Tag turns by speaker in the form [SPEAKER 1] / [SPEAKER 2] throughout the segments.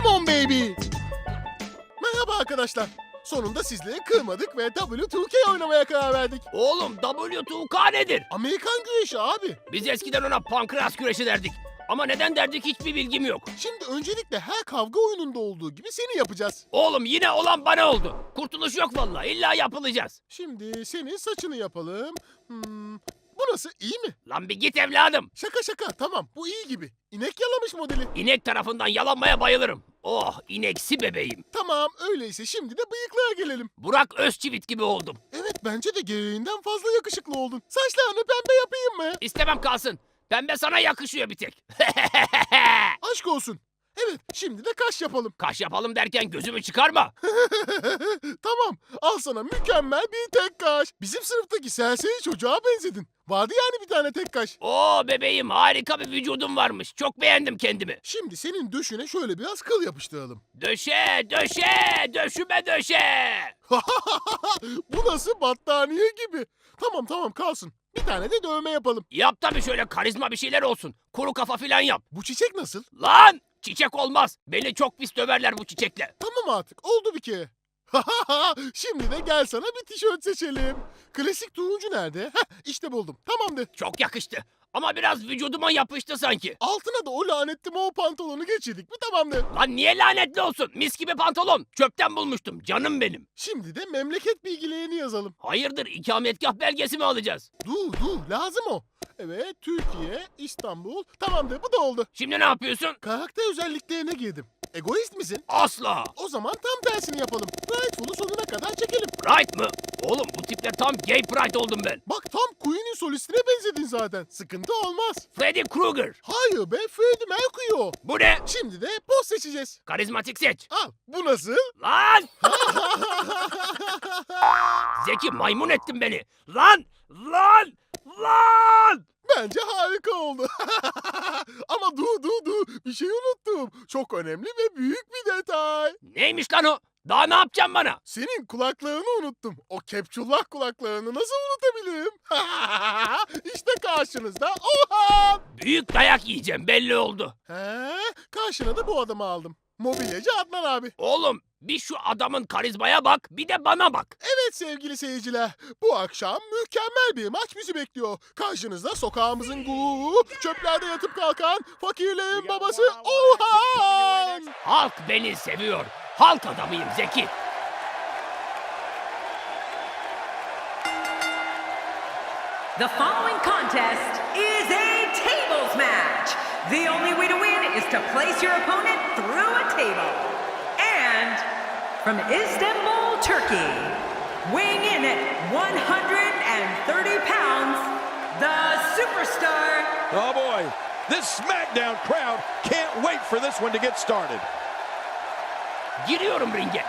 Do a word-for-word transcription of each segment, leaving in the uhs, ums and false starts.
[SPEAKER 1] Come on baby. Merhaba arkadaşlar. Sonunda sizleri kırmadık ve W iki K oynamaya karar verdik.
[SPEAKER 2] Oğlum W iki K nedir?
[SPEAKER 1] Amerikan güreşi abi.
[SPEAKER 2] Biz eskiden ona pankreas güreşi derdik. Ama neden derdik hiçbir bilgim yok.
[SPEAKER 1] Şimdi öncelikle her kavga oyununda olduğu gibi seni yapacağız.
[SPEAKER 2] Oğlum yine olan bana oldu. Kurtuluş yok vallahi, illa yapılacağız.
[SPEAKER 1] Şimdi senin saçını yapalım. Hmm, bu nasıl, iyi mi?
[SPEAKER 2] Lan bir git evladım.
[SPEAKER 1] Şaka şaka, tamam, bu iyi gibi. İnek yalamış modeli.
[SPEAKER 2] İnek tarafından yalanmaya bayılırım. Oh, ineksi bebeğim.
[SPEAKER 1] Tamam, öyleyse şimdi de bıyıklara gelelim.
[SPEAKER 2] Burak Özçivit gibi oldum.
[SPEAKER 1] Evet, bence de gereğinden fazla yakışıklı oldun. Saçlarını pembe yapayım mı?
[SPEAKER 2] İstemem kalsın. Pembe sana yakışıyor bir tek.
[SPEAKER 1] Aşk olsun. Evet, şimdi de kaş yapalım.
[SPEAKER 2] Kaş yapalım derken gözümü çıkarma.
[SPEAKER 1] Tamam, al sana mükemmel bir tek kaş. Bizim sınıftaki serseri çocuğa benzedin. Vardı yani bir tane tek kaş.
[SPEAKER 2] Oo bebeğim, harika bir vücudum varmış. Çok beğendim kendimi.
[SPEAKER 1] Şimdi senin döşüne şöyle biraz kıl yapıştıralım.
[SPEAKER 2] Döşe, döşe, döşüme döşe.
[SPEAKER 1] Bu nasıl battaniye gibi. Tamam tamam, kalsın. Bir tane de dövme yapalım.
[SPEAKER 2] Yap tabii, şöyle karizma bir şeyler olsun. Kuru kafa filan yap.
[SPEAKER 1] Bu çiçek nasıl?
[SPEAKER 2] Lan! Çiçek olmaz. Beni çok pis döverler bu çiçekle.
[SPEAKER 1] Tamam artık, oldu bir kere. Şimdi de gel sana bir tişört seçelim. Klasik turuncu nerede? Heh, işte buldum. Tamamdır.
[SPEAKER 2] Çok yakıştı. Ama biraz vücuduma yapıştı sanki.
[SPEAKER 1] Altına da o lanetli mor pantolonu geçirdik mi tamamdır.
[SPEAKER 2] Lan niye lanetli olsun? Mis gibi pantolon. Çöpten bulmuştum. Canım benim.
[SPEAKER 1] Şimdi de memleket bilgilerini yazalım.
[SPEAKER 2] Hayırdır, ikametgah belgesi mi alacağız?
[SPEAKER 1] Dur dur, lazım o. Evet, Türkiye, İstanbul. Tamamdır, bu da oldu.
[SPEAKER 2] Şimdi ne yapıyorsun?
[SPEAKER 1] Karakter özelliklerine girdim. Egoist misin?
[SPEAKER 2] Asla.
[SPEAKER 1] O zaman tam tersini yapalım. Rightful'u sonuna kadar çekelim.
[SPEAKER 2] Pride mı? Oğlum bu tiple tam gay pride oldum ben.
[SPEAKER 1] Bak, tam Queen'in solistine benzedin zaten. Sıkıntı olmaz.
[SPEAKER 2] Freddy Krueger.
[SPEAKER 1] Hayır be, Freddie Mercury o.
[SPEAKER 2] Bu ne?
[SPEAKER 1] Şimdi de poz seçeceğiz.
[SPEAKER 2] Karizmatik seç.
[SPEAKER 1] Al, bu nasıl?
[SPEAKER 2] Lan! Zeki, maymun ettin beni. Lan! Lan! Lan!
[SPEAKER 1] Bence harika oldu. Ama dur dur dur, bir şey unuttum. Çok önemli ve büyük bir detay.
[SPEAKER 2] Neymiş lan o? Daha ne yapacaksın bana?
[SPEAKER 1] Senin kulaklarını unuttum. O kepçullah kulaklarını nasıl unutabilirim? İşte karşınızda Orhan.
[SPEAKER 2] Büyük dayak yiyeceğim, belli oldu.
[SPEAKER 1] He, karşına da bu adamı aldım. Mobilyacı Adnan abi.
[SPEAKER 2] Oğlum bir şu adamın karizmaya bak, bir de bana bak.
[SPEAKER 1] Evet sevgili seyirciler, bu akşam mükemmel bir maç bizi bekliyor. Karşınızda sokağımızın gururu, çöplerde yatıp kalkan fakirlerin babası Orhan.
[SPEAKER 2] Halk beni seviyor. Halk adamıyım Zeki.
[SPEAKER 3] The following contest is a tables match. The only way to win is to place your opponent through a table. And from Istanbul, Turkey, weighing in at one hundred thirty pounds, the superstar.
[SPEAKER 4] Oh boy, this SmackDown crowd can't wait for this one to get started.
[SPEAKER 2] Giriyorum ringe.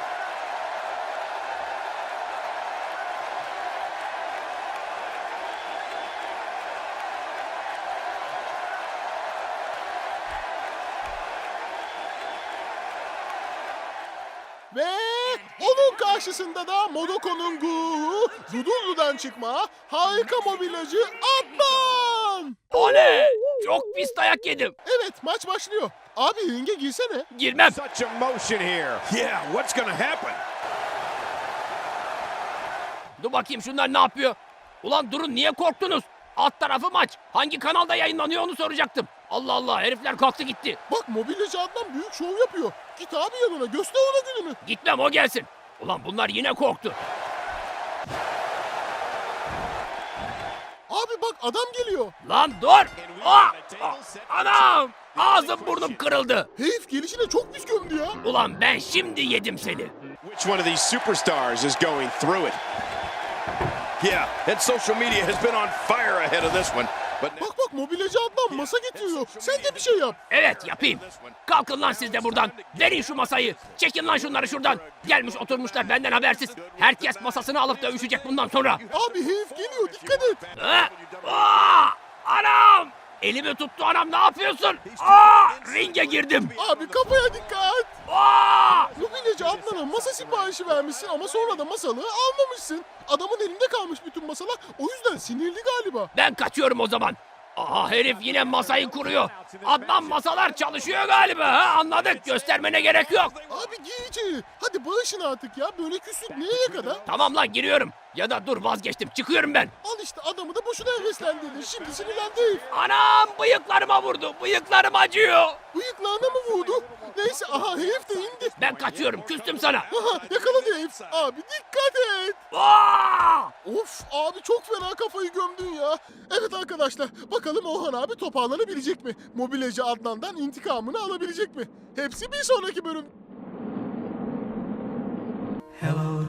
[SPEAKER 1] Ve onun karşısında da Modoko'nun gururu, Zudullu'dan çıkma harika mobilyacı Adnan.
[SPEAKER 2] Oley! Çok pis dayak yedim.
[SPEAKER 1] Evet, maç başlıyor. Abi ringe girsene.
[SPEAKER 2] Girmem.
[SPEAKER 4] Such emotion here. Yeah, what's gonna happen?
[SPEAKER 2] Dur bakayım şunlar ne yapıyor? Ulan durun, niye korktunuz? Alt tarafı maç. Hangi kanalda yayınlanıyor onu soracaktım. Allah Allah, herifler kalktı gitti.
[SPEAKER 1] Bak, mobilyacı Adnan büyük şov yapıyor. Git abi yanına, göster ona gününü.
[SPEAKER 2] Gitmem, o gelsin. Ulan bunlar yine korktu.
[SPEAKER 1] Abi bak, adam geliyor.
[SPEAKER 2] Lan dur! Aa! Aa! Anam! Ağzım burnum kırıldı.
[SPEAKER 1] Herif gelişine çok pis gömdü ya.
[SPEAKER 2] Ulan ben şimdi yedim seni.
[SPEAKER 4] Which one of these superstars is going through it? Yeah, that social media has been on fire ahead of this one. But
[SPEAKER 1] Bak bak, mobilyacı Adnan masa getiriyor. Sen de bir şey yap.
[SPEAKER 2] Evet yapayım. Kalkın lan siz de buradan. Verin şu masayı. Çekin lan şunları şuradan. Gelmiş oturmuşlar benden habersiz. Herkes masasını alıp dövüşecek bundan sonra.
[SPEAKER 1] Abi herif geliyor, dikkat et.
[SPEAKER 2] Ha? Aa! Anam! Elimi tuttu anam, ne yapıyorsun? Aa! Ringe girdim.
[SPEAKER 1] Abi kafaya dikkat.
[SPEAKER 2] Aa!
[SPEAKER 1] Mobilyacı Adnan'a masa siparişi vermişsin ama sonra da masalığı almamışsın. Adamın elinde kalmış bütün masalar. O yüzden sinirli galiba.
[SPEAKER 2] Ben kaçıyorum o zaman. Aha herif yine masayı kuruyor. Adnan masalar çalışıyor galiba ha, anladık, göstermene gerek yok.
[SPEAKER 1] Abi giy içeri. Hadi bağışın artık ya. Böyle küslük neye kadar?
[SPEAKER 2] Tamam lan giriyorum. Ya da dur vazgeçtim, çıkıyorum ben.
[SPEAKER 1] Al işte adamı da boşuna heveslendirdin. Şimdi sinirlendi herif.
[SPEAKER 2] Anam bıyıklarıma vurdu, bıyıklarım acıyor.
[SPEAKER 1] Bıyıklarına mı vurdu? Neyse aha herif de indi.
[SPEAKER 2] Ben kaçıyorum, küstüm sana.
[SPEAKER 1] Aha yakaladı herif. Abi dikkat et.
[SPEAKER 2] Aa!
[SPEAKER 1] Of abi çok fena kafayı gömdün ya. Evet arkadaşlar bakalım Orhan abi toparlanabilecek mi? Mobilyacı Adnan'dan intikamını alabilecek mi? Hepsi bir sonraki bölüm.
[SPEAKER 5] Hello